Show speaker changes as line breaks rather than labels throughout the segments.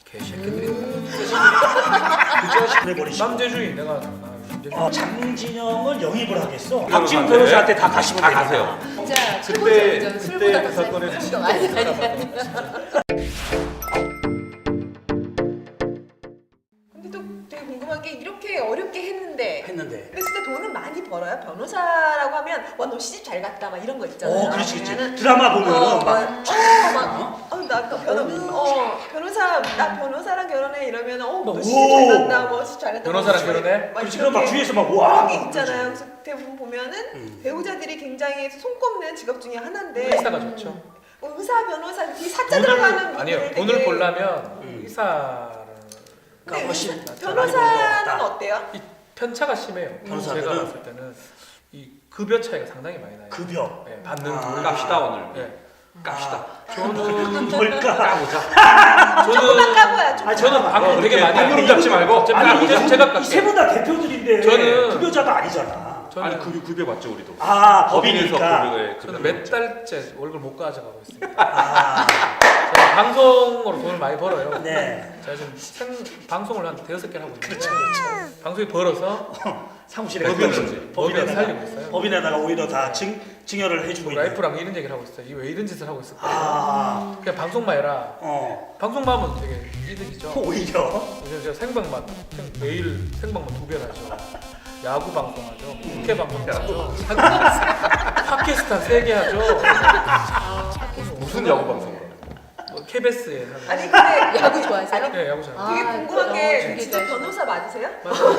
개새끼들이.
남재주의 내가
장진영을 영입을 하겠어.
박지훈
박지훈 변호사한테 다 가시면
다
됩니다.
가세요.
진짜
그때
최고죠.
그
술보다 더
사건에
싼 아니.
근데 또 되게 궁금한 게 이렇게 어렵게 했는데
했는데.
진짜 돈은 많이 벌어요? 변호사라고 하면 와 너 시집 잘 갔다 막 이런 거 있잖아요.
그렇지.
아니면은
드라마 보면은
나 변호사랑 결혼해 이러면 너
오.
시집 잘 갔다 뭐 시집 잘 갔다
변호사랑 결혼해?
막
그렇지. 그럼 막
이렇게
주위에서 막
그런
와.
게 있잖아요. 그래서 대부분 보면은 배우자들이 굉장히 손꼽는 직업 중에 하나인데
의사가 좋죠.
의사, 변호사 이 사자 들어가는
아니요,
분들이
돈을
되게-
벌려면 의사는
근데
훨씬
변호사는 어때요?
이 편차가 심해요.
변호사들은?
제가 봤을 때는 이 급여 차이가 상당히 많이 나요.
급여.
네, 받는
아.
돈
깝시다 오늘.
네.
깝시다.
저는
뭘까?
까보자.
조금만 까봐요. 조금만.
저는 방금 되게 많이
방금
하고
잡지 말고.
제가 깎게.
이세 분 다 대표들인데
저는-
급여자가 아니잖아.
저는
아니 급여 받죠 우리도.
법인이니까.
저는 몇 달째 월급 못 가져가고 있습니다.
아,
제가 방송으로 돈을 많이 벌어요.
네.
제가 지금 방송을 한 5개를 하고 있는데 방송이 벌어서
사무실에
법인을
법인에다가
살리고 있어요.
법인에다가 오히려 다 증여를 해주고 있는.
라이프랑 이런 얘기를 하고 있어요. 이 왜 이런 짓을 하고 있을까? 그냥 방송만 해라. 방송만 하면 되게 이득이죠.
오히려.
요즘 제가 생방만 매일 생방만 2배를 하죠. 야구 방송하죠. 국회 방송하죠. 팟캐스트 한 3개 하죠.
무슨 야구 방송을?
뭐 KBS에
아니 근데
야구 좋아하세요?
네, 야구 잘.
되게 궁금한 게
되게
진짜
좋아하시네.
변호사 맞으세요?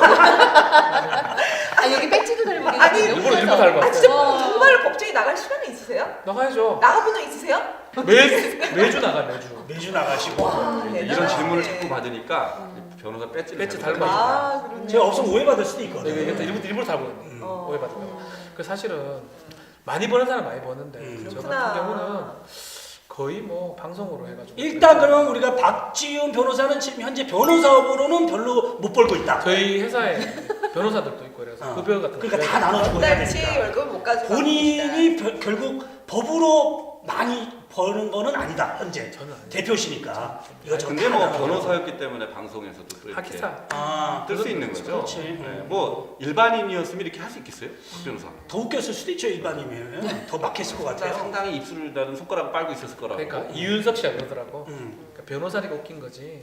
아 여기 배지도 달고 계세요.
아니,
일부러 달고
아 진짜
왔어요.
정말로 법정에 나갈 시간이 있으세요?
나가야죠.
나가본 적 있으세요?
매주 나가 매주.
매주 나가시고.
이런
대단하네.
질문을 자꾸 받으니까 변호사 배지를
배지
달고
달고
아 그러네.
제가 없으면 오해받을 수도 있거든.
네, 일부러 달고 있는 오해받을까. 그 사실은 많이 버는 사람 많이 버는데 저
그렇구나.
같은 경우는 거의 뭐 방송으로 해가지고.
일단 그러면 우리가 박지훈 변호사는 지금 현재 변호사업으로는 별로 못 벌고 있다.
저희 회사에 변호사들도 있고 그래서 급여 같은 거.
그러니까 다 나눠주고 해야
달치
되니까.
월급을 못 가지고
본인이 결국 법으로 많이 버는 거는 아니다 현재.
저는 아니에요.
대표시니까. 이것저것
근데
다
뭐
나눠서.
변호사였기 때문에 방송에서도 또 이렇게
하기사.
뜰 수 있는 거죠.
그렇지.
네, 뭐 일반인이었으면 이렇게 할 수 있겠어요? 변호사.
더 웃겼을 수도 있죠 일반이면. 더 막혔을 것 같아요.
상당히 입술을 다는 손가락 빨고 있었을 거라고.
그러니까 이윤석 씨가 그러더라고.
음.
그러니까 변호사니까 웃긴 거지.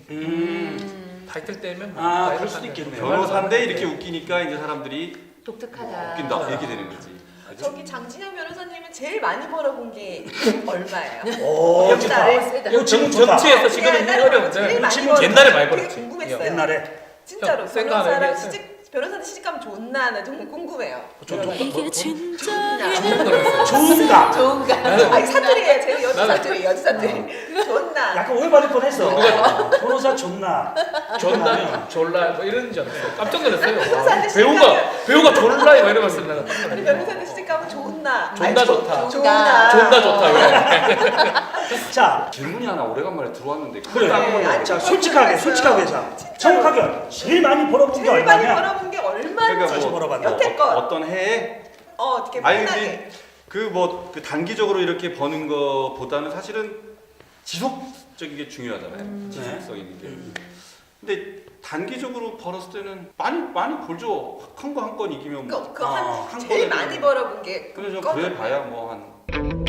타이틀 떼면 뭐
아,
나이를
그럴 수도
하면
있겠네요.
변호사인데 이렇게 웃기니까 이제 사람들이
독특하다.
웃긴다 이렇게 되는 거지.
저기 장진영 변호사님은 제일 많이 벌어본 게 얼마예요?
오,
몇 달에?
세다.
이거 지금 좋다.
정치에서 지금은 어려운데
제일 많이
지금
벌었어요.
옛날에 많이
되게
벌었지.
궁금했어요.
옛날에
진짜로
형, 센거 하나
변호사랑
얘기했어요.
변호사한테 시집가면 좋나 나 정말 궁금해요.
이게 진짜
좋은가?
좋은가?
아니 사투리예요. 제가 여주
나는-
사투리, 여주 사투리. 좋나?
약간 오해받을 뻔했어. 변호사 좋나?
존나 졸라 뭐 이런 줄 알았어. 깜짝 놀랐어요.
변호사한테
배우가 졸라 막 이러면서 내가 깜짝
아니
놀랐어.
변호사한테 시집가면 좋나?
존나 좋다.
좋나?
존나 좋다 왜?
자,
질문이 하나 오래간만에 들어왔는데
그래.
아니,
자, 솔직하게 자, 정확하게 제일 많이 벌어본 게
제일 많이
얼마냐?
벌어본 게 얼마인지
그러니까 뭐
벌어봤나?
여태껏
어떤 해에
어떻게
아니
편하게
근데 그 단기적으로 이렇게 버는 거보다는 사실은 지속적인 게 중요하잖아요. 지속성 있는 게. 근데 단기적으로 벌었을 때는 많이 벌죠. 한 거 한 건 이기면 뭐.
그한 제일 많이 벌어본 게
그래서 그래 봐야 뭐 한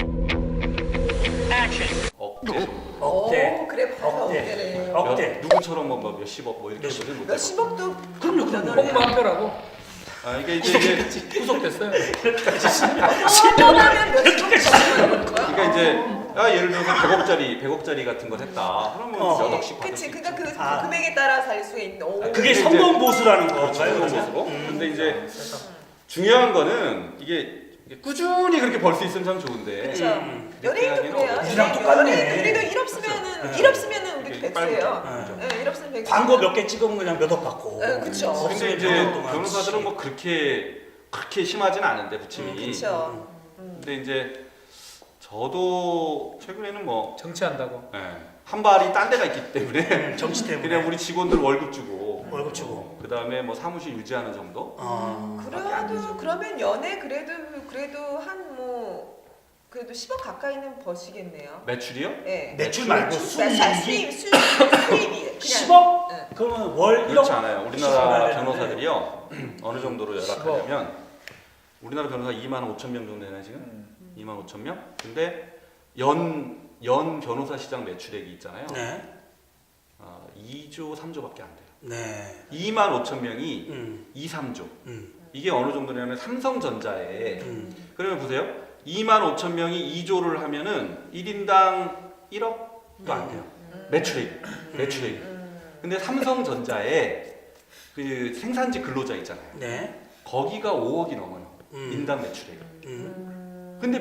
억대 정도.
억대.
그래 봐서
억대.
억대네.
억대.
누구처럼 뭐 몇십억 뭐 이렇게 버는 못
몇십억도
그럼요.
홍보 한 표라고
아 이게 이제
구속됐어요.
한번하면 몇십억 버는 거야?
그러니까 이제 예를 들어서 100억짜리 같은 걸 했다. 그러면 몇 억씩 받을 수
그치,
있죠.
그러니까 그
아.
금액에 따라 살 수 있는. 오.
그게
근데
성공 보수라는
그렇죠.
거가요,
그런
그러면?
모습고. 근데 이제 중요한 거는 이게 꾸준히 그렇게 벌 수 있으면 참 좋은데.
그렇죠. 연예인도 그래요.
우리랑 똑같네.
우리도 일 없으면은 우리
이렇게
백수예요. 네, 일 없으면 백수.
광고 몇 개 찍으면 그냥 몇 억 받고.
네, 그쵸.
근데
없으면
이제
몇 년 동안
변호사들은 뭐 그렇게 심하진 않은데 부침이.
그렇죠.
근데 이제 저도 최근에는 뭐
정치한다고.
한 발이 딴 데가 있기 때문에
정치 때문에.
그냥 우리 직원들 월급 주고
월급 주고.
그 다음에 뭐 사무실 유지하는 정도.
그래도 그러면 연애 그래도 한 뭐 그래도 10억 가까이는 버시겠네요.
매출이요?
네.
매출 말고
수입이 그냥
그러면 월 1억
그렇지 않아요. 우리나라
시간을 내는데.
변호사들이요 어느 정도로 열악하냐면 우리나라 변호사 2만 5천 명 정도 되나 지금? 2만 5천 명? 근데 연 변호사 시장 매출액이 있잖아요.
네.
2조 3조밖에 안 돼요.
네.
2만 5천 명이 2, 3조. 이게 어느 정도냐면 삼성전자에 그러면 보세요. 2만 5천 명이 2조를 하면은 1인당 1억도 안 돼요. 매출액. 근데 삼성전자에 그 생산지 근로자 있잖아요.
네.
거기가 5억이 넘어요. 인당 매출액. 근데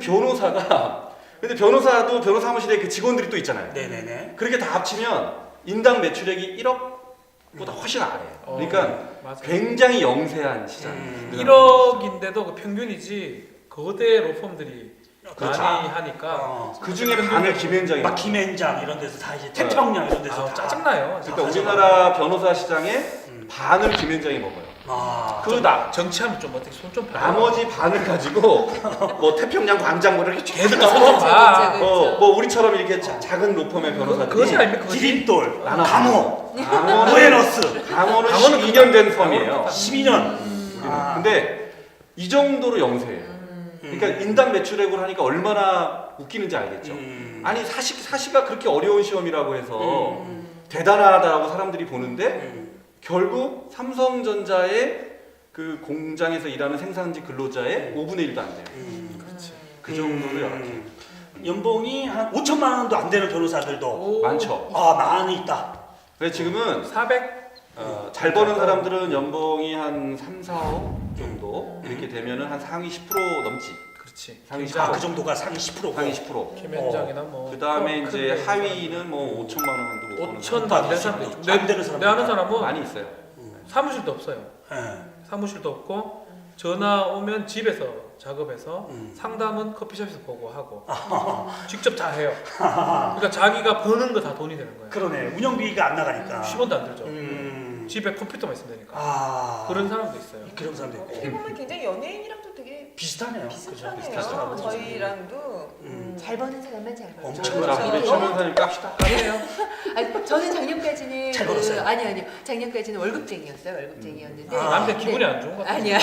변호사도 변호사 사무실에 그 직원들이 또 있잖아요.
네네네.
그렇게 다 합치면 인당 매출액이 1억보다 훨씬 아래예요. 그러니까
맞아요.
굉장히 영세한 시장이에요.
1억인데도 그 평균이지 거대 로펌들이
그렇죠.
많이 하니까
그 중에 반을 김현장이
막 김앤장 이런 데서 다 이제 태평양 이런 데서
아,
다
짜증나요.
그러니까 우리나라 변호사 시장의 반을 김현장이 먹어요.
정치하면 좀 어떻게 손 좀 봐.
나머지 반을 가지고 뭐 태평양 광장 뭐 이렇게
걔들
쭉
손좀 봐.
뭐 우리처럼 이렇게 작은 로펌의 변호사들이
그것이 아닙니까? 그것이?
디딤돌,
나눠.
강호,
강원은
부에노스
강원은
강원은
12년 된 펌이에요.
12년.
근데 이 정도로 영세해요. 그러니까 인당 매출액으로 하니까 얼마나 웃기는지 알겠죠. 아니 사시가 그렇게 어려운 시험이라고 해서 대단하다고 사람들이 보는데 결국 삼성전자의 그 공장에서 일하는 생산지 근로자의 5분의 1도 안 돼요.
그렇지.
그 정도로 열악해요.
연봉이 한 5천만 원도 안 되는 변호사들도
많죠.
많이 있다.
그래서 지금은
400?
잘 버는 사람들은 연봉이 한 3, 4억 정도 이렇게 되면은 한 상위 10% 넘지.
그렇지.
상위
김장,
그 정도가 상위 10%고.
상위 10%.
김현장이나 뭐.
그 다음에
큰
이제
데에서
하위는 뭐 5천만 원도 못 버는
5천도
사람
안 되는 사람도 있죠.
안 되는 사람
내 아는 사람은
많이 있어요.
사무실도 없어요.
네.
사무실도 없고 전화 오면 집에서 작업해서 상담은 커피숍에서 보고 하고 직접 다 해요. 그러니까 자기가 버는 거 다 돈이 되는 거예요.
그러네. 운영비가 안 나가니까.
10원도 안 들죠. 집에 컴퓨터만 있으면 되니까. 그런 사람도 있어요.
그런 사람도
어떻게
있고.
보면 굉장히 연예인이랑도 되게
비슷하네요.
비슷하네요.
비슷하죠.
저희랑도
잘 버는 사람만 잘 벌죠.
엄청
자, 우리 최 변호사님 깝시다.
아니, 저는 작년까지는
잘 벌었어요?
아니요. 작년까지는 월급쟁이였어요. 월급쟁이였는데.
남자 기분이 안 좋은 것 같아요.
아니야.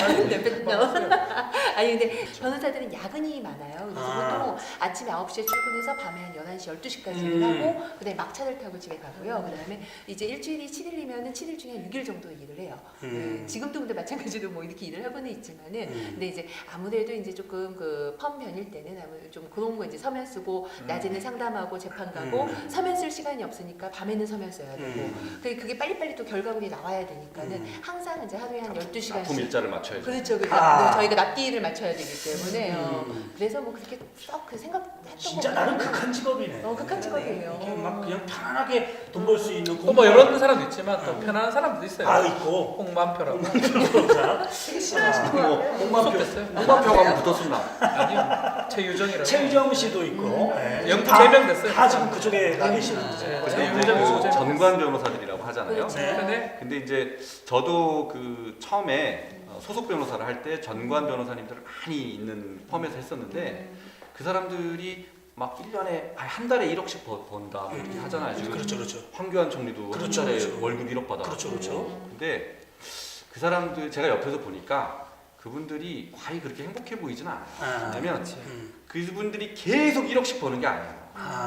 아니 근데 변호사들은 야근이 많아요. 그래서 보통 아침에 9시에 출근해서 밤에 한 11시, 12시까지 하고 그다음에 막차를 타고 집에 가고요. 그다음에 이제 일주일이 7일이면은 7일 중에 6일 정도 일을 해요. 지금도 근데 마찬가지로 뭐 이렇게 일을 하고는 있지만은 근데 이제 아무래도 이제 조금 그 펌 변일 때는 아무래도 좀 그런 거 이제 서면 쓰고 낮에는 상담하고 재판 가고 서면 쓸 시간이 없으니까 밤에는 서면 써야 되고 그게 빨리빨리 또 결과물이 나와야 되니까는 항상 이제 하루에 한
납품
12시간씩
일자를 맞춰야죠.
그렇죠. 저희가 납기일을 맞춰야 되기 때문에요. 그래서 뭐 그렇게 썩 그 생각했던
진짜
것
나는
같아요.
극한 직업이네.
극한 직업이에요.
이게 막 그냥 편안하게 돈 벌 수 있는
뭐 이런 사람도 있지만 또 편안한 사람도 있어요.
있고.
홍만표라고.
되게 싫어하시는 것 같아요.
홍만표 됐어요.
홍만표가 하면 붙었습니다.
아니요. 최유정이라고.
최유정 씨도 있고. 네.
영부
다-
3명 됐어요.
다 지금 그쪽에 가 계시는
네,
근데
최유정
뭐
있고
전관 변호사들이라고 하잖아요.
그렇죠.
네.
근데 이제 저도 그 처음에 소속 변호사를 할 때 전관 변호사님들을 많이 있는 펌에서 했었는데 그 사람들이 막 1년에 한 달에 1억씩 번다 뭐 이렇게 하잖아요. 지금
그렇죠.
황교안 총리도
그렇죠,
한 달에
그렇죠.
월급 1억 받아.
그렇죠.
근데 그 사람들 제가 옆에서 보니까 그분들이 과히 그렇게 행복해 보이진 않아요. 왜냐면 그분들이 계속 1억씩 버는 게 아니에요.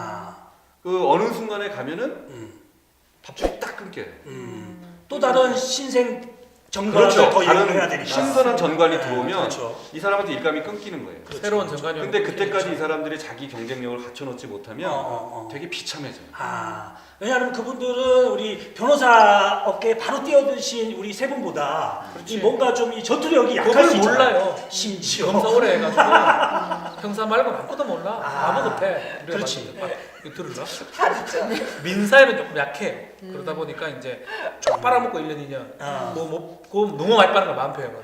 그 어느 순간에 가면은 밥줄이 딱 끊겨요.
또 다른 신생 정관을
그렇죠.
더
다른
이용해야 되니까.
신선한 전관이
네,
들어오면
그렇죠.
이 사람한테 일감이 끊기는 거예요.
새로운 정관이
근데 그때까지 이 사람들이 자기 경쟁력을 갖춰놓지 못하면 되게 비참해져요.
왜냐하면 그분들은 우리 변호사 업계에 바로 뛰어드신 우리 세 분보다 이 뭔가 좀 이 전투력이 약할
그걸
수 있잖아요.
몰라요.
심지어.
검사 오래 해가지고 형사 말고는 아무것도 몰라. 아무것도 해.
그렇지.
이거 들을라?
다 듣죠.
민사에는 조금 약해요. 그러다 보니까 이제 쭉 빨아먹고 1년 2년 뭐 너무 많이 빠는 거 만표 형은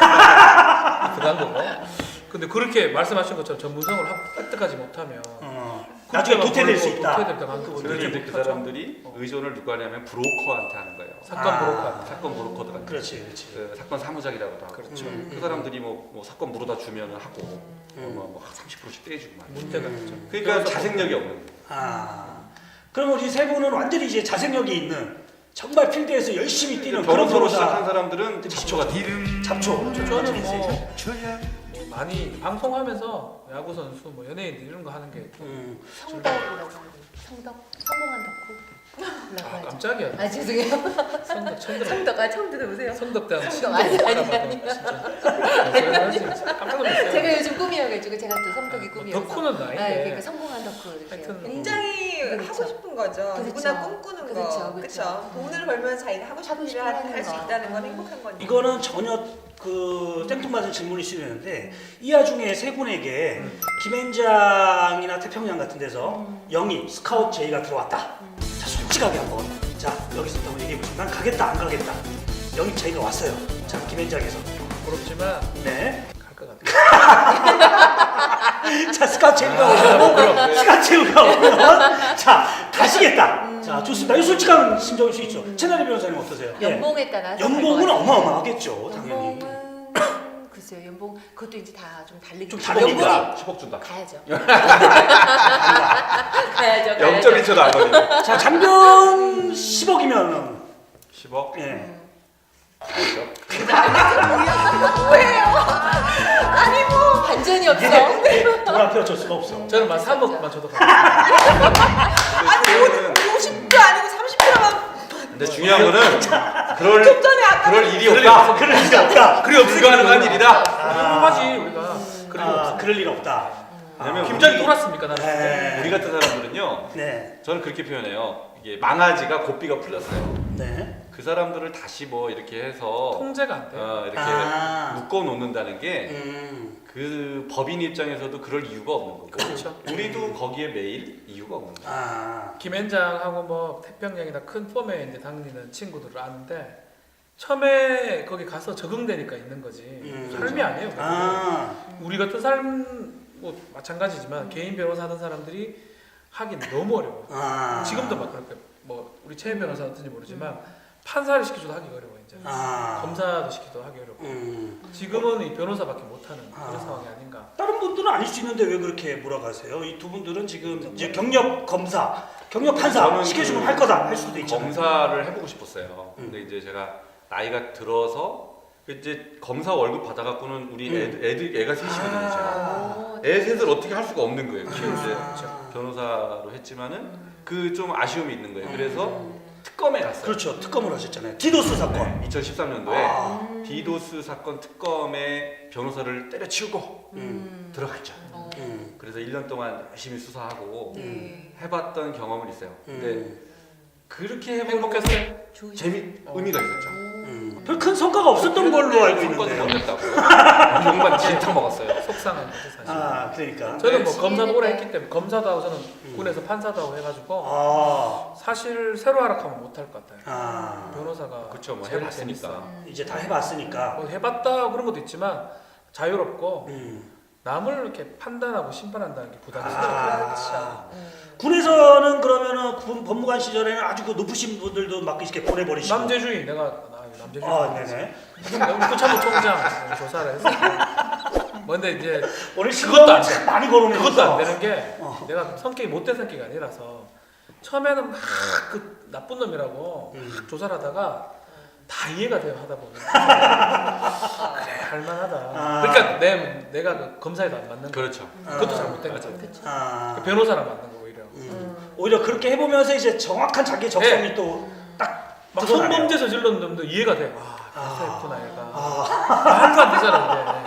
들어간 거고. 근데 그렇게 말씀하신 것처럼 전문성을 획득하지 못하면
나중에 도태될 수 있다.
도태될 만큼
그래서 이제 그 사람들이 의존을 누가 하냐면 브로커한테 하는 거예요.
사건 브로커.
사건 브로커들한테.
그렇지.
그 사건 사무장이라고도 하고.
그렇죠.
그 사람들이 뭐 사건 물어다 주면 하고 뭐 30%씩 떼주고 막.
문제가 있죠.
그러니까 자생력이 없는 거예요.
그럼 우리 세 분은 완전히 이제 자생력이 있는 정말 필드에서 열심히 뛰는 그런
변호사로 시작한
변호사.
사람들은 잡초가 돼.
잡초.
저는 뭐 많이 방송하면서 야구 선수, 뭐 연예인들 이런 거 하는 게
성덕이라고 하는 성덕 성공한 덕후.
아, 깜짝이야.
아 죄송해요.
성덕 처음 들어.
성덕 아 처음 들어보세요.
성덕대학
성덕 아니
깜짝 놀랐어요.
제가 요즘 꿈이어가지고 제가 또 성덕이 꿈이어서.
덕후는
아,
나인데.
그러니까 성공한 덕후 이렇게.
하여튼
굉장히
그렇죠.
하고 싶은 거죠.
그렇죠.
누구나 꿈꾸는 거.
그렇죠,
그렇죠.
그렇죠.
돈을 벌면서 자기가 하고 싶은
하고
일을
싶은
할 수
거.
있다는 건 행복한 거니까.
이거는 전혀 그 땡뚱맞은 질문일 수 있는데 이 와중에 세 분에게 김앤장이나 태평양 같은 데서 영입, 스카우트 제의가 들어왔다. 자 솔직하게 한번 자 여기서 한번 얘기해보시죠. 난 가겠다 안 가겠다. 영입 제의가 왔어요. 자 김앤장에서
부럽지만
네.
갈 것 같아요.
자 스카우트 제의가 오면
그럼.
스카우트 제의가 오면 자 가시겠다. 자 좋습니다. 이 솔직한 심정일 수 있죠. 채널의 변호사님 어떠세요? 예.
연봉에 따라서
연봉은
갈것 같아요.
어마어마하겠죠 당연히.
연봉은 글쎄요 연봉 그것도 이제 다 좀 다르게
좀 다르니까.
10억 준다.
가야죠.
아,
가야죠.
0.1초도 안 걸리네.
자 장변 10억이면
10억?
예.
그렇죠.
아니 뭐 반전이 없어.
돈 앞에 어쩔 수가 없어.
저는 만 3억만 줘도 가요.
근데
50도 아니고 30도만
근데 중요한 거는 그럴
좀 전에 아까
그럴 일이 없다.
그럴 일이 없다.
그리 불가능한 일이다.
하지 우리가. 그리고
아, 그럴 일 없다.
왜냐면
김장이 돌았습니까 나는?
네.
우리 같은 사람들은요.
네.
저는 그렇게 표현해요. 이게 망아지가 고삐가 풀렸어요.
네.
그 사람들을 다시 뭐 이렇게 해서
통제가 안 돼.
이렇게
아.
묶어 놓는다는 게
음.
그 법인 입장에서도 그럴 이유가 없는 거고
그렇죠.
우리도 거기에 매일 이유가 없는 거예요.
아.
김앤장하고 뭐 태평양이나 큰 펌에 이제 다니는 친구들을 아는데 처음에 거기 가서 적응되니까 있는 거지 삶이 아니에요. 그거.
아.
우리 같은 삶 뭐 마찬가지지만 개인 변호사 하는 사람들이 하긴 너무 어려워.
아.
지금도 막 그렇게 뭐 우리 최 변호사 같은지 모르지만 판사를 시켜줘도 하기 어려워 이제.
아.
검사도 시켜도 하기 어렵고. 지금은 이 변호사밖에 못하는 그런
아.
상황이 아닌가.
다른 분들은 아닐 수 있는데 왜 그렇게 몰아가세요? 이 두 분들은 지금 이제 경력 검사, 경력 판사
저는
시켜주면
그
할 거다 할 수도 있잖아요.
검사를 해보고 싶었어요. 근데 이제 제가 나이가 들어서 이제 검사 월급 받아갖고는 우리 애가 셋이거든요. 제가. 애 셋을 어떻게 할 수가 없는 거예요. 이제 변호사로 했지만은 그 좀 아쉬움이 있는 거예요. 그래서 특검에 갔어요.
그렇죠. 특검을 하셨잖아요. 디도스 사건.
네, 2013년도에
아.
디도스 사건 특검에 변호사를 때려치우고 들어갔죠.
음.
그래서 1년 동안 열심히 수사하고
네.
해봤던 경험은 있어요. 근데 그렇게 해보는
행복했어요?
의미가 있었죠.
별 큰 성과가 없었던 걸로 알고
사건도 못
있는데.
냈다고. 용반 진탕 먹었어요.
속상한 거지 사실.
아, 그러니까.
저는 뭐 검사도 오래 했기 때문에 검사도 하고 저는 군에서 판사도 하고 해가지고
아.
사실 새로 하락하면 못할 것 같아요.
아.
변호사가
그렇죠. 뭐
제일
해봤으니까.
재밌어.
이제 다 해봤으니까.
뭐 해봤다 그런 것도 있지만 자유롭고
음.
남을 이렇게 판단하고 심판한다는 게 부담스러워요.
아. 군에서는 그러면은 군 법무관 시절에는 아주 그 높으신 분들도 막 이렇게 보내버리시고.
남재주의 내가 남재주의
아, 네네.
국토참모총장 조사를 했었고 근데 이제
오늘
그것도 안 돼.
참 많이 거론해서.
그것도 안 되는 게
어.
내가 성격이 못된 성격이 아니라서 처음에는 막 그 나쁜 놈이라고 막 조사를 하다가 다 이해가 돼요 하다 보면 그래 할만하다.
아.
그러니까 내가 그 검사에도 안 맞는 거.
그렇죠.
그것도 잘못된 거죠.
아.
그 변호사랑 맞는 거 오히려.
오히려 그렇게 해보면서 이제 정확한 자기 적성이
네.
또 딱
막
드러나네요.
성범죄 저질렀는 놈도 이해가 돼. 아, 변호사였구나 얘가.
아.
말도 안 되잖아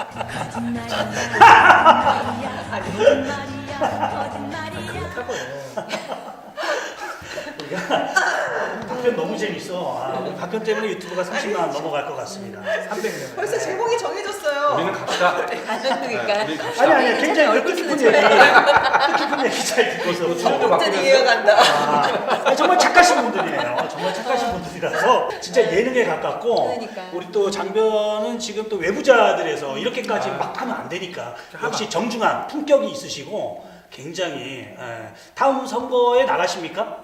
근데. 그렇다고요.
박변 너무 재밌어. 아, 오늘 박변 때문에 유튜브가 30만 넘어갈 것 같습니다.
300명.
벌써 제목이 정해졌어요.
우리는 갑시다.
그러니까
우리 갑시다.
아니 굉장히 뜻깊은 얘기 뜻깊은 얘기 잘 듣고서
처음부터
완전히 이해간다.
아, 정말 착하신 분들이에요. 정말 착하신 분들이라서 진짜 예능에 가깝고
그러니까.
우리 또 장변은 지금 또 외부자들에서 이렇게까지 막 하면 안 되니까 역시 정중한 품격이 있으시고 굉장히 다음 선거에 나가십니까?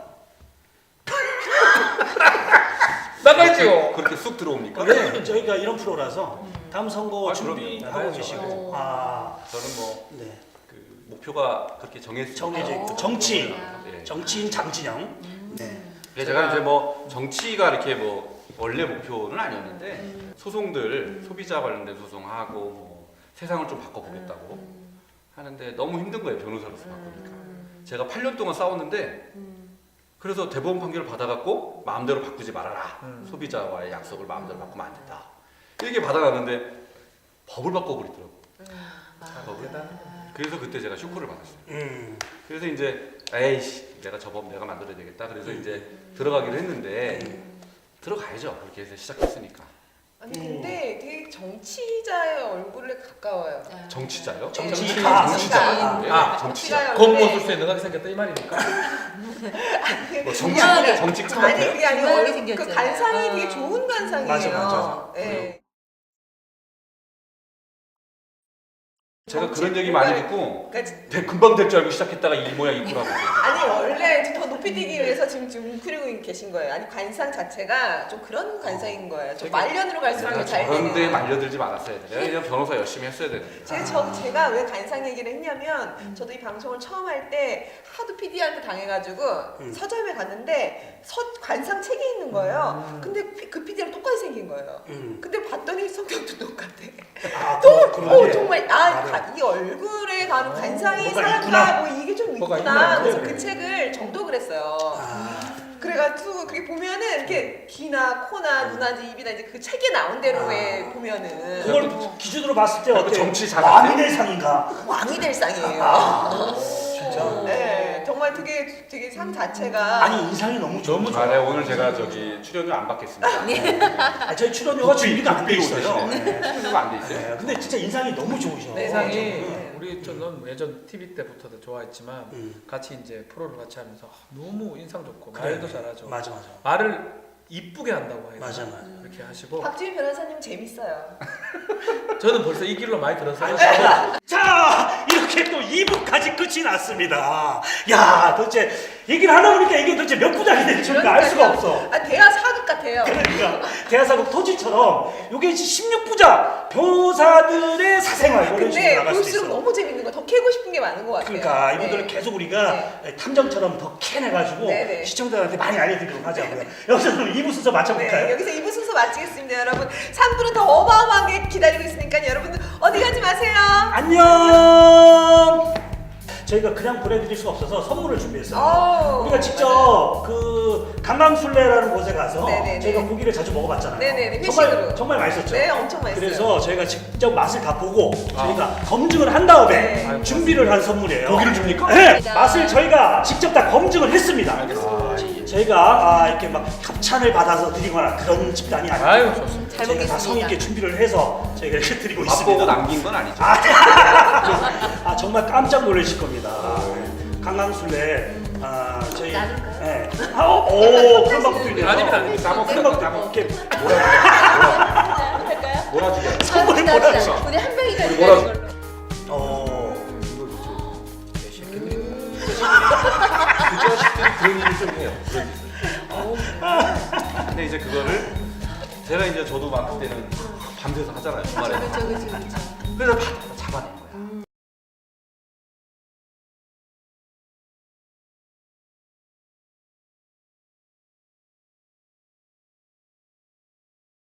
나가야지요.
그렇게 쑥 들어옵니까?
네, 저희가 이런 프로라서 다음 선거
아,
준비하고
그럼요.
계시고
나가야죠.
아,
저는 뭐
네.
그 목표가 그렇게 정해져
정해져 있고 정치
예.
정치인 장진영 네.
제가 이제 뭐 정치가 이렇게 뭐 원래 목표는 아니었는데 소송들 소비자 관련된 소송하고 뭐 세상을 좀 바꿔보겠다고 하는데 너무 힘든 거예요, 변호사로서 바꾸니까. 제가 8년 동안 싸웠는데 그래서 대법원 판결을 받아갖고 마음대로 바꾸지 말아라. 소비자와의 약속을 마음대로 바꾸면 안 된다. 이렇게 받아놨는데 법을 바꿔버리더라고. 법을. 그래서 그때 제가 쇼크를 받았어요. 그래서 이제 에이씨 내가 저 법 내가 만들어야 되겠다. 그래서 이제 들어가기로 했는데 들어가야죠. 그렇게 해서 시작했으니까.
아니 근데 되게 정치자의 얼굴에 가까워요.
정치자요?
정치가.
아,
정치자.
겉모술수에 능하게 생겼다 이 말입니까?
뭐
중요하게.
정치 끝
아니
같아요?
그게 아니고
중요하게
그
생겼잖아요.
관상이 되게 좋은 관상이에요.
맞아.
예.
제가
정치
그런 얘기
정말-
많이 듣고
그러니까
금방 될 줄 알고 시작했다가 이 모양 이꾸라고.
아니 원래 더 높이 뛰기 위해서 지금 웅크리고 계신 거예요. 아니 관상 자체가 좀 그런 관상인 거예요. 좀
되게-
말년으로 갈수록
내가
잘
저런데
되는.
말려들지 말았어야 돼. 내가 그냥 변호사 열심히 했어야 되는데.
제가 왜 관상 얘기를 했냐면 저도 이 방송을 처음 할 때 하도 PD한테 당해가지고 서점에 갔는데 관상 책이 있는 거예요. 근데 그 PD랑 똑같이 생긴 거예요. 근데 봤더니 성격도 똑같아. 정말 이 얼굴에 가는 관상이
뭐가
사람과
있구나.
뭐 이게 좀
뭐가
있구나.
있구나.
그래서
네.
그 책을 정독을 했어요. 그래가지고 그게 보면은 이렇게 귀나 코나 눈이나 입이나 이제 그 책에 나온 대로에 보면은
그걸 기준으로 봤을 때
그
어때?
정치 잘
왕이 될 상인가?
왕이 될 상이에요.
진짜.
네, 정말 되게 상 자체가
아니 인상이 너무 좋아.
너무
아, 네, 오늘 제가 저기 출연료 안 받겠습니다.
저희 출연료가 준비가 안 돼 있어요.
네. 출연료가 안 돼 있어요.
네, 근데 진짜 인상이 너무 좋으셔.
네,
세상이
네.
우리 저는 예전 TV 때부터도 좋아했지만 같이 이제 프로를 같이 하면서 너무 인상 좋고
그래.
말도 잘하죠.
맞아.
말을 이쁘게 한다고 해요.
맞아.
이렇게 하시고
박지민 변호사님 재밌어요.
저는 벌써 이 길로 많이 들어서요.
자, 이렇게 또 2부까지 끝이 났습니다. 야, 도대체 얘기를 하다 보니까 이게 도대체 몇 부작이 될지 우리가 알 수가 없어.
아 대화 사극 같아요.
그러니까 대하사국 토지처럼 이게 16부작 변호사들의 사생활 이런 식으로
근데
나갈 수
볼수록
있어.
너무 재밌는 거 더 캐고 싶은 게 많은 것 같아요.
그러니까 이분들을
네.
계속 우리가 탐정처럼 더 캐내가지고
네네.
시청자들한테 많이 알려드리도록 하자고요. 여기서 그럼 2부 순서 맞춰볼까요?
네, 여기서 2부 순서 마치겠습니다, 여러분. 3부는 더 어마어마하게 기다리고 있으니까 여러분들 어디 가지 마세요.
안녕. 저희가 그냥 보내드릴 수가 없어서 선물을 준비했어요. 우리가 직접 그 강강술래라는 곳에 가서
네네네.
저희가 고기를 자주 먹어봤잖아요.
네네네,
정말
회식으로.
정말 맛있었죠.
네, 엄청 맛있어요.
그래서 저희가 직접 맛을 다 보고 저희가 검증을 한 다음에
네.
준비를 한 선물이에요.
고기를 줍니까?
네,
감사합니다.
맛을 저희가 직접 다 검증을 했습니다. 저희가 이렇게 막 협찬을 받아서 드리거나 그런 집단이 아니고
아유 좋습니다.
잘
저희가 다 성의 있게
먹겠습니다.
준비를 해서 저희가 이렇게 드리고
맛보고
있습니다.
남긴 건 아니죠.
정말 깜짝 놀라실 겁니다. 강강술래 저희
나눌까요?
네. 오 그런 방법도 있네요.
아닙니다, 아닙니다.
까먹
그런 방법도 이렇게
할까요?
몰아주게.
선물을
아,
몰아줘.
우리 한 명이 가지고
몰아줘.
가는 걸로.
그 자식들이 그런 일을 좀 해요. 그런 짓을. 근데 이제 그거를 제가 이제 저도 막 그때는 밤새서 하잖아요. 주말에.
그렇죠.
그래서 잡아낸 거야.